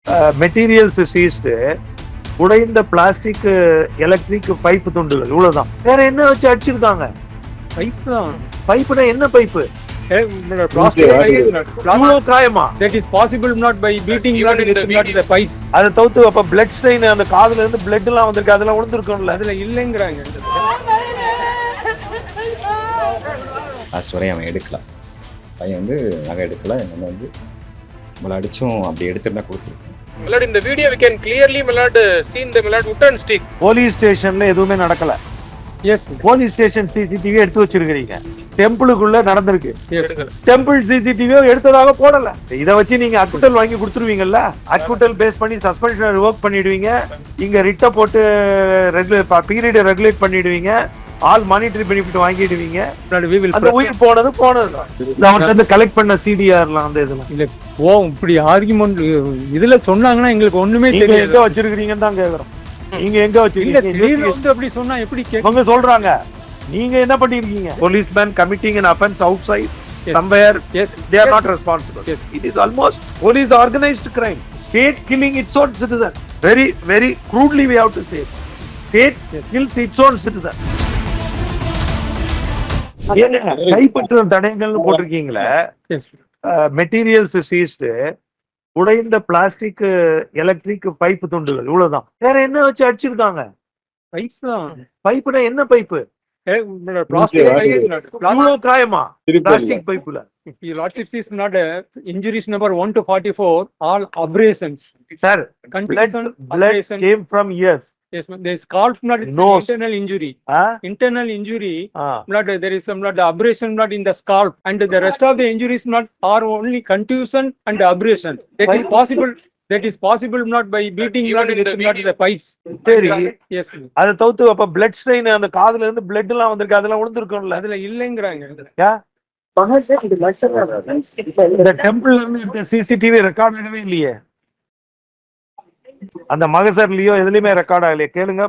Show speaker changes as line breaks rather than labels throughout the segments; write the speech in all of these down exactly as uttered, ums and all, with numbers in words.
Materials seized, உடைந்த plastic, electric pipe துண்டுகள், இவ்வளவுதான். வேற என்ன வச்சு அடிச்சிருக்காங்க?
பைப்ஸ் தான்.
பைப்புனா என்ன பைப்பு? காயமா?
That is possible not by beating blood with not the pipes.
அதை தவிர்த்து அப்ப பிளட் ஸ்ட்ரெயின், அந்த காதுல இருந்து பிளட் எல்லாம் வந்திருக்கு, அதெல்லாம் விழுந்திருக்கும்ல.
அதுல இல்லைங்கிறாங்க.
லாஸ்ட் வரையும் அவன் எடுக்கலாம். பையன் வந்து நகை எடுக்கல. என்ன வந்து நம்மளை அடிச்சும் அப்படி எடுத்துருந்தா கொடுத்துருக்கோம்.
Milord, in the video we can clearly Milord seen the Milord wooden stick.
Police ஸ்டேஷன்ல எதுவுமே நடக்கல.
எஸ்.
போலீஸ் ஸ்டேஷன் சிசிடிவி எடுத்து வச்சிருக்கீங்க. டெம்பிளுக்குள்ள நடந்திருக்கு.
எஸ்.
டெம்பிள் சிசிடிவியோ எடுத்ததாக போடல. இத வச்சு நீங்க அக்குட்டல் வாங்கி கொடுத்துருவீங்கல்ல. அக்குட்டல் பேஸ் பண்ணி சஸ்பென்ஷன் ரிவோக் பண்ணிடுவீங்க. இங்க ரிட்ட போட்டு ரெகுலேட் பீரியட் ரெகுலேட் பண்ணிடுவீங்க. ஆல் மானிட்டரி பெனிஃபிட் வாங்கிடுவீங்க. அந்த உயிர் போனது போனது. அவங்க வந்து கலெக்ட் பண்ண சிடிஆர்லாம் அந்த இதெல்லாம்
இல்ல. ஓ, இப்படி ஆர்குமெண்ட் இதுல சொன்னாங்கன்னா எங்களுக்கு ஒண்ணுமே
தெரியல. எங்க வச்சிருக்கீங்கன்னு தான் கேக்குறோம். நீங்க எங்க வச்சிருக்கீங்க?
அப்படி சொன்னா எப்படி
அவங்க சொல்றாங்க? நீங்க என்ன பண்ணிருக்கீங்க? policeman committing an offense outside yes. somewhere
yes
they are yes. not responsible yes. It is almost police organized crime, state killing its own citizen. Very very crudely we have to say state yes. kills its own citizen. ஏங்க கைப்பற்ற தடயங்கள்னு போட்டிருக்கீங்களே. Materials seized, உடைந்த plastic, electric pipe துண்டுகள், இவ்வளவுதான். வேற என்ன வச்சு அடிச்சிருக்காங்க?
பைப்ஸ் தான்.
பைப்புனா என்ன பைப்பு? காயமா? பிளாஸ்டிக் பைப்புல.
Your lordship is not a injuries number one to forty-four, all abrasions.
Sir, blood, blood came from ears.
Yes, there is called not internal injury.
Huh?
Internal injury.
Ah.
Not there is some not the abrasion not in the scalp, and the rest of the injuries not are only contusion and abrasion. That is possible. That is possible not by beating blood with not the pipes.
சரி.
Yes.
அதை தவிர்த்து அப்ப blood strain, அந்த காதுல இருந்து blood எல்லாம் வந்திருக்கு, அதெல்லாம் விழுந்திருக்கும்ல.
அதுல இல்லைங்கிறாங்க.
யா இந்த டெம்பிள்ல இருந்து சிசிடிவி ரெக்கார்ட் ஆகவே இல்லையே. அந்த மகசர்லயோ எதுலயுமே ரெக்கார்ட் ஆகலையே. கேளுங்க.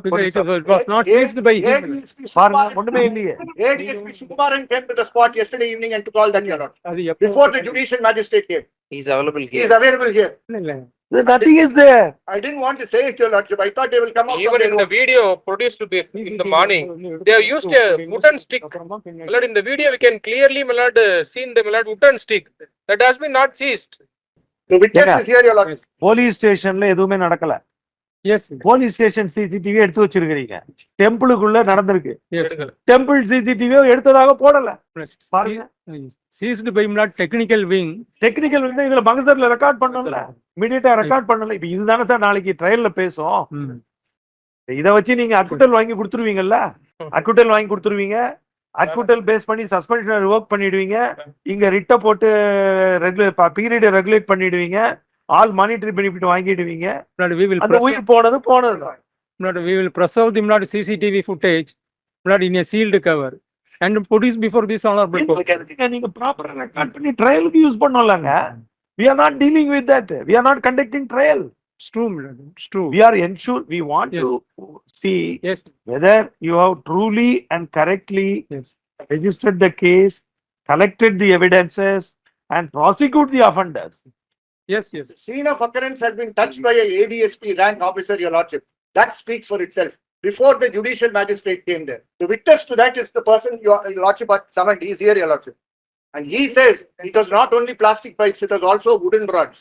ஒண்ணுமே இல்லையே.
A D S P Sukumaran came to the spot yesterday evening and took all that your honor. Before the judicial magistrate came.
He is available here.
He is available here.
Nothing is there.
I didn't want to say it, your lordship. I thought they will come out.
Even in the video produced to be in the morning, they have used a wooden stick. Milord, in the video we can clearly Milord seen the Milord wooden stick that has been not seized.
The witness is here, your lordship.
Police ஸ்டேஷன்ல எதுவுமே நடக்கல.
S.
Police station CCTV எடுத்து வச்சிருக்கீங்க. டெம்பிளுக்குள்ள நடந்திருக்கு. Temple சிசிடிவியோ எடுத்ததாக போடல. பாருங்க.
Seized by not technical wing.
Technical wing இதுல மகசர்ல ரெக்கார்ட் பண்ணல. இமிடியேட்டா ரெக்கார்ட் பண்ணல. இப்ப இதுதானே சார் நாளைக்கு ட்ரையல்ல பேசும். இத வச்சு நீங்க அக்குட்டல் வாங்கி கொடுத்துருவீங்கல்ல. அக்குட்டல் வாங்கி கொடுத்துருவீங்க. அக்குட்டல் பேஸ் பண்ணி சஸ்பென்ஷன் ரிவோக் பண்ணிடுவீங்க. இங்க ரிட்ட போட்டு ரெகுலேட் பீரியட் ரெகுலேட் பண்ணிடுவீங்க. ஆல் மானிட்டரி பெனிஃபிட் வாங்கிடுவீங்க. அந்த உயிர் போனது போனது.
We will preserve the not C C T V footage not in a sealed cover and produce before this honorable court.
நீங்க ப்ராப்பரா ரெக்கார்ட் பண்ணி ட்ரையலுக்கு யூஸ் பண்ணலாங்க. We are not dealing with that. We are not conducting trial.
It's true, it's true.
We are ensure we want yes. to see
yes.
whether you have truly and correctly
yes.
registered the case, collected the evidences, and prosecute the offenders.
Yes, yes.
The scene of occurrence has been touched by a A D S P rank officer, your lordship. That speaks for itself. Before the judicial magistrate came there, the witness to that is the person your lordship had summoned. He is here, your lordship. And he says it was not only plastic pipes, it was also wooden rods.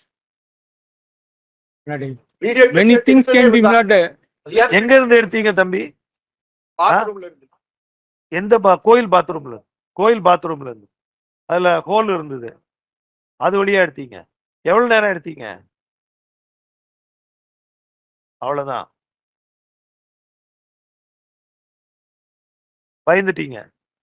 Video many things can be not.
எங்க இருந்து எடுத்தீங்க தம்பி?
பாத்ரூம்ல இருந்து.
எந்த கோயில் பாத்ரூம்ல? கோயில் பாத்ரூம்ல இருந்து. அதுல ஹோல் இருந்தது. அது வழியா எடுத்தீங்க. எவ்வளவு நேரம் எடுத்தீங்க? அவ்வளவுதான். பயந்துட்டீங்க.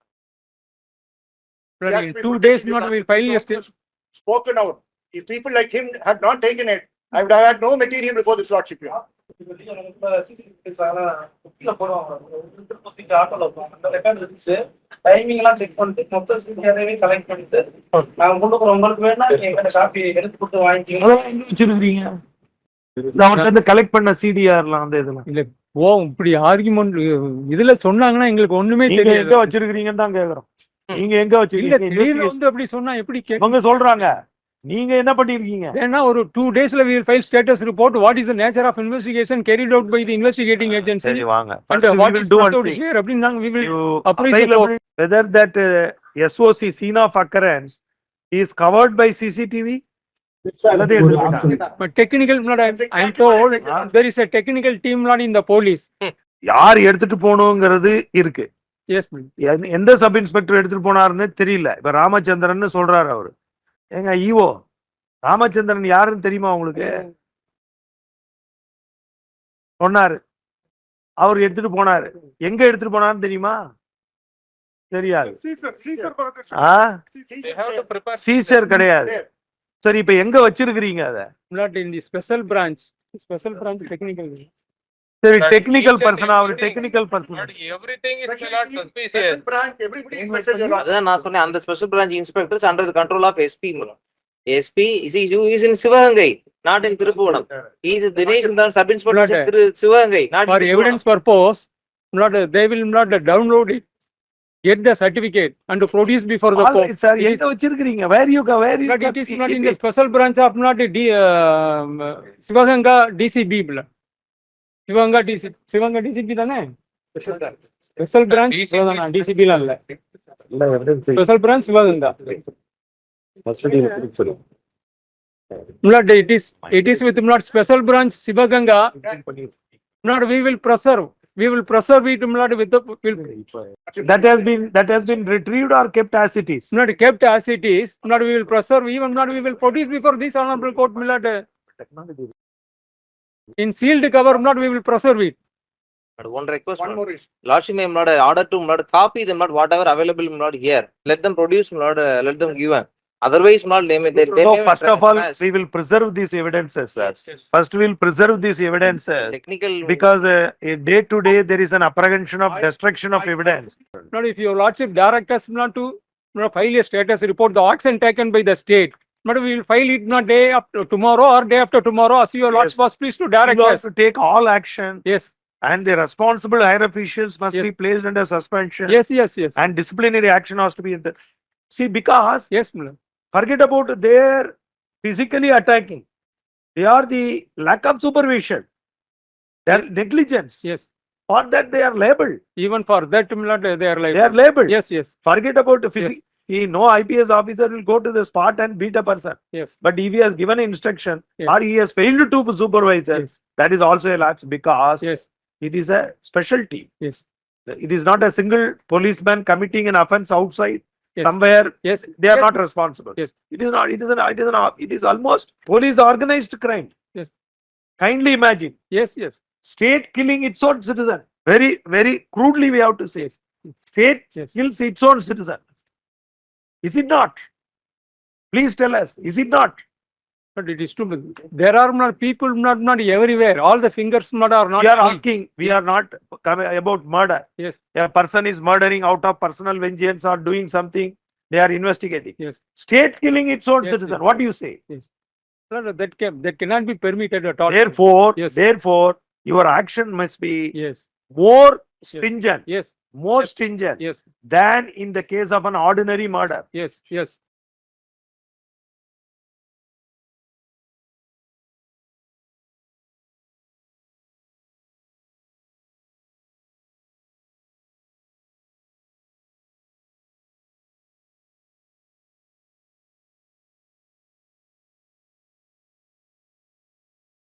Two days not will file yesterday.
Spoken out. If people like him had not taken it, I would have had no material before this lordship.
Timing எல்லாம் செக் பண்ணிட்டு மொத்த சிடிஆரையே கலெக்ட் பண்ணிட்டு நாங்க கொண்டு போறோம். உங்களுக்கு வேணா நீங்க காப்பி எடுத்து கொடுத்து வாங்கிக்கீங்க.
அதெல்லாம் எங்க வச்சிருக்கீங்க? அவங்க வந்து கலெக்ட் பண்ண சிடிஆர்லாம் அந்த இதெல்லாம்
இல்ல. ஓ, இப்படி ஆர்குமெண்ட் இதுல சொன்னாங்கன்னா எங்களுக்கு ஒண்ணுமே தெரியல.
எங்க வச்சிருக்கீங்கன்னு தான் கேக்குறோம். நீங்க எங்க வச்சிருக்கீங்க?
வந்து அப்படி சொன்னா எப்படி?
அவங்க சொல்றாங்க நீங்க என்ன பண்ணிருக்கீங்க?
Then now ஒரு two daysல we will file status report. What is the nature of investigation carried out by the investigating agency?
சரி வாங்க.
And
First we
what
will
is
do
brought
one
out
thing.
here, அப்படின்னு நாங்க we will
You
appraise the
available whether that uh, S O C scene of occurrence is covered by C C T V. அல்லது எடுத்துட்டு போயிட்டாங்க.
But technical, not, I I am told, there is a technical team not in the police.
யார் எடுத்துட்டு போகணுங்கிறது இருக்கு.
Yes, ma'am.
எந்த- எந்த sub inspector எடுத்துட்டு போனாருன்னு தெரியல. இப்ப ராமச்சந்திரன் சொல்றாரு அவரு. ஏங்க ஈவோ ராமச்சந்திரன் யாருன்னு தெரியுமா உங்களுக்கு? சொன்னாரு. அவர் எடுத்துட்டு போனாரு. எங்க எடுத்துட்டு போனாருன்னு தெரியுமா? தெரியாது. ஆ?
They have to prepare.
Seizure கிடையாது. சரி இப்ப எங்க வச்சிருக்கிறீங்க அத?
Not in the special branch, special branch technical.
சரி
But
டெக்னிக்கல்
each and
பர்சனா அவர்
everything-
technical person.
But everything is my lord suspicious.
Special branch, everybody is special, your lordship.
அதான் நான் சொன்னேன், அந்த special branch inspectors under the control of SP. SP is is in Sivaganga, not in Thiruppuvanam. Is Dinesh தான் sub inspector திரு Sivaganga, not
For evidence purpose, not, they will not download it, get the certificate and produce before the court.
Sir
It is-
எங்க வச்சிருக்கிறீங்க? Where you where you
But it is not in the special branch of not D, uh, Sivaganga D C B. Sivaganga D C, Sivaganga D C B தானே? Special branch,
D C B.
Sivaganga D C B ல இல்ல. Special branch Sivaganga. Not, it is, it is with not special branch Sivaganga. Not, we will preserve, we will preserve it not with the, will
that has been that has been retrieved or kept as it is.
not kept as it is. Not, we will preserve, even not, we will produce before this honorable court, Milord. In sealed cover, not, we will preserve it.
One request,
One more issue.
Lordship may not order to not copy them, not whatever available not here. Let them produce, not let them give. Otherwise, not they may. they- they
No,
may
first of all,
trespass.
we will preserve these evidences, sir.
Yes, yes.
First, we will preserve these evidences
Technical.
because uh, a day to day there is an apprehension of destruction of evidence.
Not, if your lordship direct us not to, not file a status report, the action taken by the state. But we will file it not day after tomorrow or day after tomorrow, as your lordship
Yes.
was pleased to direct
You have
us.
to take all action
Yes,
and the responsible higher officials must
Yes.
be placed under suspension
yes, yes, yes,
and disciplinary action has to be in the. See, because
yes, Milord.
forget about their physically attacking. They are the lack of supervision. Their negligence.
Yes.
For that they are labeled.
Even for that, Milord, they are like.
They are labeled.
Yes, yes,
Forget about the physics. See, no I P S officer will go to the spot and beat a person.
yes,
But if he has given instruction
Yes.
or he has failed to supervise, it,
yes,
that is also a lapse because
yes,
it is a special team.
yes,
It is not a single policeman committing an offense outside
Yes.
somewhere.
yes.
They are
Yes,
not responsible.
Yes.
It is not, it is an, it is an, it is almost police organized crime.
Yes.
Kindly imagine,
Yes, yes,
state killing its own citizen. Very, very crudely we have to say. State
Yes.
kills its own citizen. Is it not? Please tell us, is it not?
but it is too, there are not people, not, not everywhere, all the fingers not are not.
We are
clean.
asking, we are not coming about murder.
Yes,
A person is murdering out of personal vengeance or doing something, they are investigating.
yes,
State killing its own
Yes,
citizen,
yes.
what do you say?
no, no, that can, that cannot be permitted at all.
Therefore,
Yes.
therefore, your action must be
Yes,
more stringent,
yes,
more
Yes.
stringent
yes,
than in the case of an ordinary murder.
yes, yes,